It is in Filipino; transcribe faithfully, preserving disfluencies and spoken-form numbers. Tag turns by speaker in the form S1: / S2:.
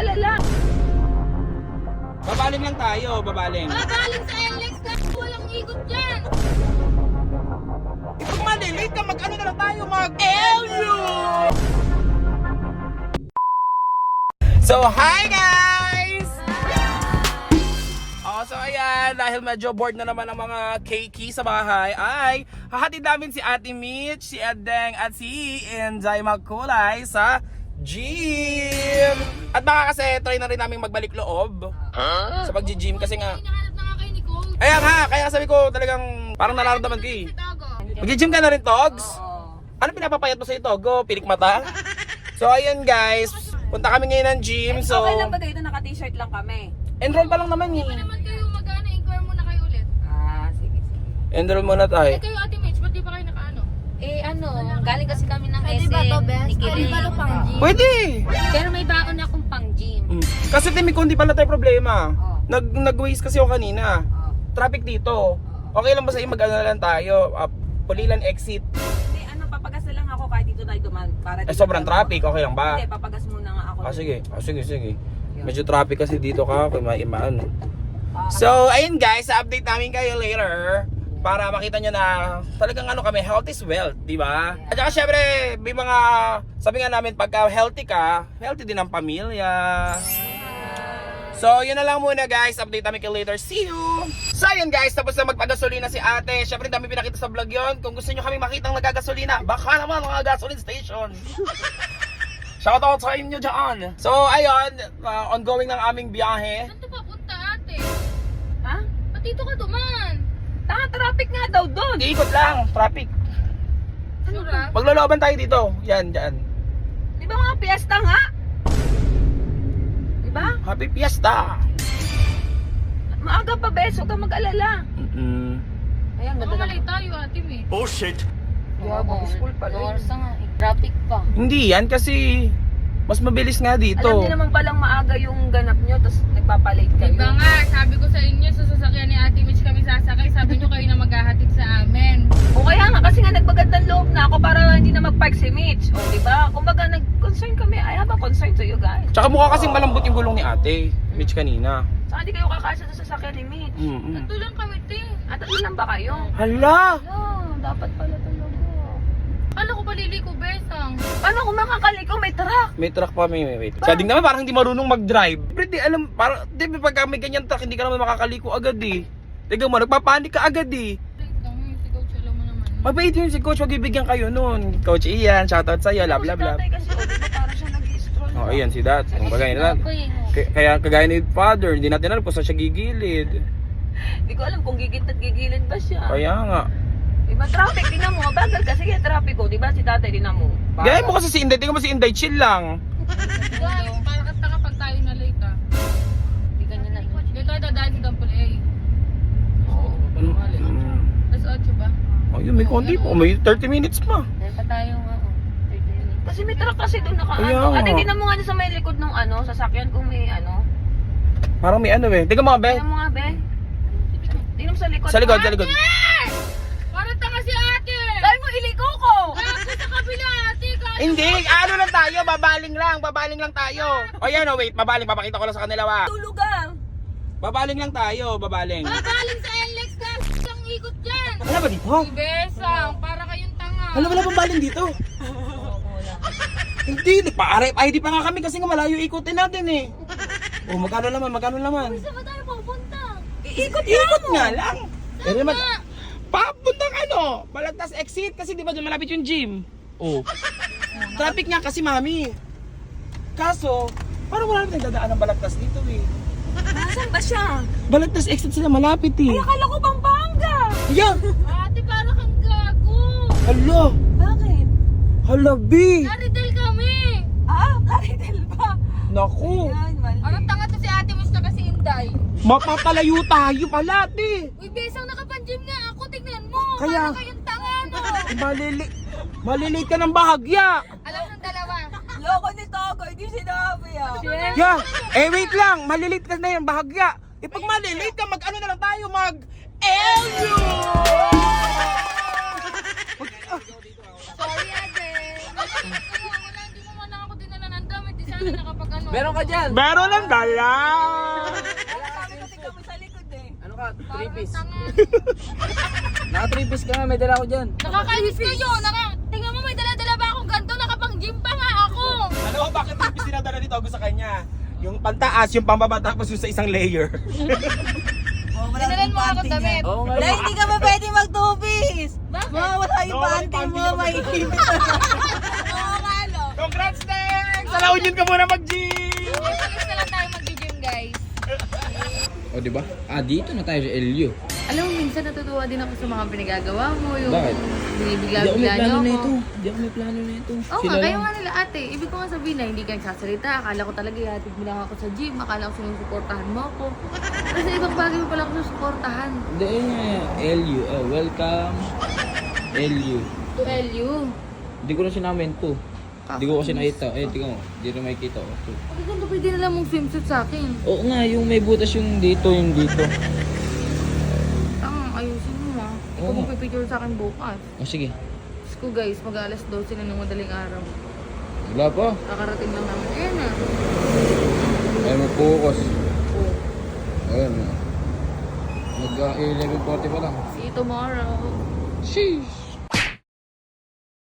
S1: mag-alala.
S2: Babaling lang tayo, babaling.
S3: Babaling sa L X na walang ikot dyan.
S2: Pag malilate ka, mag-ano na lang tayo, mag-L U! So, hi guys! Oh, so ayan, dahil medyo bored na naman ang mga keiki sa bahay, ay hahatid namin si Ate Mitch, si Edeng, at si Inday Magkulay sa gym! At baka kasi try na rin namin magbalik loob sa pag-gym kasi nga.
S3: Hinahanap na nga kayo ni Coach.
S2: Ayan ha, kaya sabi ko talagang parang nararamdaman ko eh.
S3: Sa Togo.
S2: Mag-gym ka na rin, Togs?
S1: Oo.
S2: Ano pinapapayat mo sa ito? Go, pilik mata? So ayun guys, punta kami ngayon ng gym. So,
S1: Okay lang ba dito? Naka-t-shirt lang kami.
S2: enroll pa lang naman
S3: Hindi pa
S2: eh.
S3: naman kayo mag-ano, inquire muna kayo ulit.
S1: Ah, sige, sige.
S2: Enroll muna
S3: Eh
S2: tayo.
S3: kayo Ate Mitch, ba't di pa kayo nakaano?
S4: Eh ano, galing kasi kami ng
S3: Pwede
S4: S
S3: ba to,
S4: M,
S3: best?
S4: ni
S3: Pwede ba to pang gym?
S2: Pwede!
S4: Pero may baon akong pang gym.
S2: Mm. Kasi Timmy, kung di pala tayo problema.
S1: Oh.
S2: Nag, nag-waste kasi ako kanina.
S1: Oh.
S2: Traffic dito. Okay lang ba sa'yo mag-ano na lang tayo? Uh, Pulilan exit.
S1: Hindi, ano, papagas na lang ako kahit dito tayo duman. Para
S2: Eh
S1: dito
S2: sobrang
S1: tayo-
S2: traffic, okay lang ba?
S1: Hindi, papagas muna nga ako.
S2: Ah sige, ah, sige, sige. Medyo traffic kasi dito ka, kung maimaan.
S1: Ah,
S2: So, ayun guys, update namin kayo later para makita nyo na talagang ano kami, health is wealth, di ba? At saka syempre, may mga, sabi nga namin, pagka healthy ka, healthy din ang pamilya. So, yun na lang muna guys, update namin kayo later. See you! So, ayun guys, tapos na magpagasolina si ate. Syempre, dami pinakita sa vlog yun. Kung gusto nyo kami makita ng nagagasolina, baka naman mga gasoline station. Shoutout sa inyo dyan. So, ayun, uh, ongoing ng aming biyahe.
S3: Saan to papunta ate?
S1: Ha?
S3: Ba't dito ka duman?
S1: Tanga, traffic nga daw doon.
S2: Iikot lang, traffic.
S3: Sure ah?
S2: Maglolooban tayo dito. Yan, dyan.
S1: Di ba mga piyesta nga? Di ba?
S2: Happy Fiesta!
S1: Maaga pa, beso ka mag-alala.
S2: Mm-mm.
S1: Ayan,
S3: Baka
S1: ganda
S3: malay
S1: naman.
S3: tayo Ate Mitch.
S1: Yeah, mag-school pala yun.
S4: Oras na nga eh. Traffic pa.
S2: Hindi yan kasi mas mabilis nga dito.
S1: Alam niyo naman palang maaga yung ganap nyo, tapos nagpapalate kayo.
S3: Diba nga, sabi ko sa inyo, sa sasakyan ni Ate Mitch kami sasakay, sabi nyo kayo na maghahatid sa amin.
S1: O kaya nga, kasi nga nagpagandang loob na ako para hindi na mag-park si Mitch. O diba? Kumbaga nag-concern kami. I have a concern to you guys.
S2: Tsaka mukha kasing malambot yung gulong ni ate, Mitch kanina.
S1: Saka hindi kayo kakasya sa sasakyan ni Mitch.
S2: Mm-mm.
S3: Ito lang kami, te.
S1: At ano lang ba kayo?
S2: Hala!
S1: Oh, dapat pala talaga.
S3: Kala ko balili ko, besang.
S1: Paano kung makakaliko? May truck.
S2: May truck pa, may may wait. Sa ding naman parang hindi marunong mag-drive. Pero di alam, parang di ba pagka may ganyan truck, hindi ka naman makakaliko agad eh. Tignan mo, nagpapanik ka agad eh.
S3: Wait lang, yung si Coach, alam mo naman.
S2: Mabait yun si Coach, wag ibigyan kayo nun. Coach Ian, shoutout sa'yo, love, love, love.
S1: Si tatay kasi, o diba parang siya nag-stroll.
S2: Oh, ayan si Dad. Kung kagaya na
S4: Ako eh.
S2: K- Kaya kagaya ni Father, hindi natin alam kung saan siya gigilid.
S1: Hindi ko alam kung gigit at gigilid ba siya.
S2: Kaya nga.
S1: Diba traffic, tinan mo. Bagal kasi yung traffic ko. Diba si tatay, tinan mo. Bagal.
S2: Gaya mo kasi si Inday, tingnan mo si Inday, chill lang.
S3: Guys, para kata kapag tayo na late ah.
S4: Hindi ganyan na.
S3: Hindi tayo dadaan sa Dampol A.
S2: Mm.
S3: Tapos otso ba?
S2: Oh, yun, may konti po. May thirty minutes pa.
S4: Dahil pa tayong ano, thirty minutes.
S1: Kasi may truck kasi doon naka
S2: Kaya
S1: ano.
S2: nga.
S1: Ate, tinan mo nga dyan sa may likod ng ano, sasakyan kung may ano.
S2: Parang may ano eh. Tingnan mo nga, be.
S1: Tinan mo nga, be. Tingnan mo sa likod.
S2: Sa likod, sa likod.
S3: Parang tanga si ate!
S1: Sabi mo, iliko ko!
S3: Gago sa kabila ate! Gago!
S2: Hindi, ano lang tayo, babaling lang, babaling lang tayo. O yan, oh, wait, babaling, papakita ko lang sa kanila, wa.
S1: Tulog ah!
S2: Babaling lang tayo, babaling.
S3: Babaling sa L X ka! Ang ikot dyan!
S2: Ano ba dito?
S3: Si Besang, para kayong tanga.
S2: Ano wala babaling dito? Hindi, pa-R F I D pa nga kami kasi nga malayo ikutin natin eh. Oh, magkano naman, magkano naman?
S3: Saan ba tayo pupunta?
S1: Iikot
S2: Ikot nga lang. Pero naman,
S3: nga?
S2: papuntang ano, Balagtas exit kasi di ba doon malapit yung gym? Oh. Traffic nga kasi, mami. Kaso, parang wala natin dadaan ng Balagtas dito eh.
S1: Nasaan ba siya?
S2: Balagtas exit sila malapit eh.
S1: Ay, akala ko Pampanga!
S2: Ayan!
S3: Ate, para kang gago!
S2: Hala!
S1: Bakit?
S2: Hala, B!
S3: Naridel kami!
S1: Ah, Claridel ba?
S2: Naku!
S1: Yan, mali.
S3: Parang tanga to si ate mo na kasi Inday.
S2: Mapapalayo tayo pala, te!
S3: Uy, Besang, nakapanjim nga ako. Tingnan mo.
S2: Kaya-
S3: Para kayong tanga, no?
S2: Malili... Malilate ka ng bahagya!
S3: Alam ng dalawa.
S1: Loko ni Togo, hindi sinabi ah.
S2: Yeah! Eh, wait lang! Malilate ka na yung bahagya! Eh, pag malilate ka, mag-ano na lang tayo, mag-L U!
S3: Sorry, ate. Wala, hindi mo man lang ako dinala ng damit. Di sana nakapag ano.
S5: Meron ka dyan.
S2: Meron lang dala.
S5: Ano ka? three piece. Naka three piece ka nga, may dala ko dyan.
S3: Nakakainis kayo. Naka, tingnan mo, may dala-dala ba akong ganito? Nakapang-gym pa nga ako.
S2: Ano ko bakit three piece dinadala ni Togo sa kanya? Yung pantaas, yung pambaba, tapos yung sa isang layer.
S3: Dinalan mo ako damit.
S5: Oo nga.
S6: Dahil hindi ka ba pwede mag-two-piece?
S3: Bakit?
S6: Mawawala yung
S2: No,
S6: panty
S2: panty
S6: mo,
S2: mo.
S6: may
S3: Oo nga, no.
S2: Congrats, Tex! Sa La Union ka muna mag-gym!
S3: Pagkis na lang tayo mag-gym, guys.
S5: O diba? Ah, dito na tayo sa L U.
S3: Alam mo, minsan natutuwa din ako sa mga pinagagawa mo. Yung
S5: Bakit?
S3: binibigla-bigla niyo ako.
S5: Hindi ako may plano na ito.
S3: Oo nga, kayo nga nila ate. Ibig ko nga sabihin na hindi ka nagsasalita. Akala ko talaga ihatid mo lang ako sa gym. Akala ko sinusuportahan mo ako. Kasi ibang bagay mo pala ako sinusuportahan.
S5: Hindi, yun nga. L U. Oh, welcome. L U.
S3: To L U.
S5: Hindi ko na sinamin to. Hindi ko kasi nakita. Eh, tingnan mo. Hindi na makikita ko. To.
S3: Ang ganda pwede na lang mong swimsuit sa akin.
S5: Oo nga, yung may butas yung dito, yung dito.
S3: Ang ayusin mo ah. Ikaw
S5: Oo.
S3: mo pipicture sa akin bukas.
S5: O sige.
S3: Diyos ko guys, mag-alas twelve na ng madaling araw.
S5: Wala pa.
S3: Kakarating lang namin. Ayan na.
S5: Ay, mag-focus. Ayun. Mag-eleven forty pa lang.
S3: See you tomorrow.
S5: Sheesh.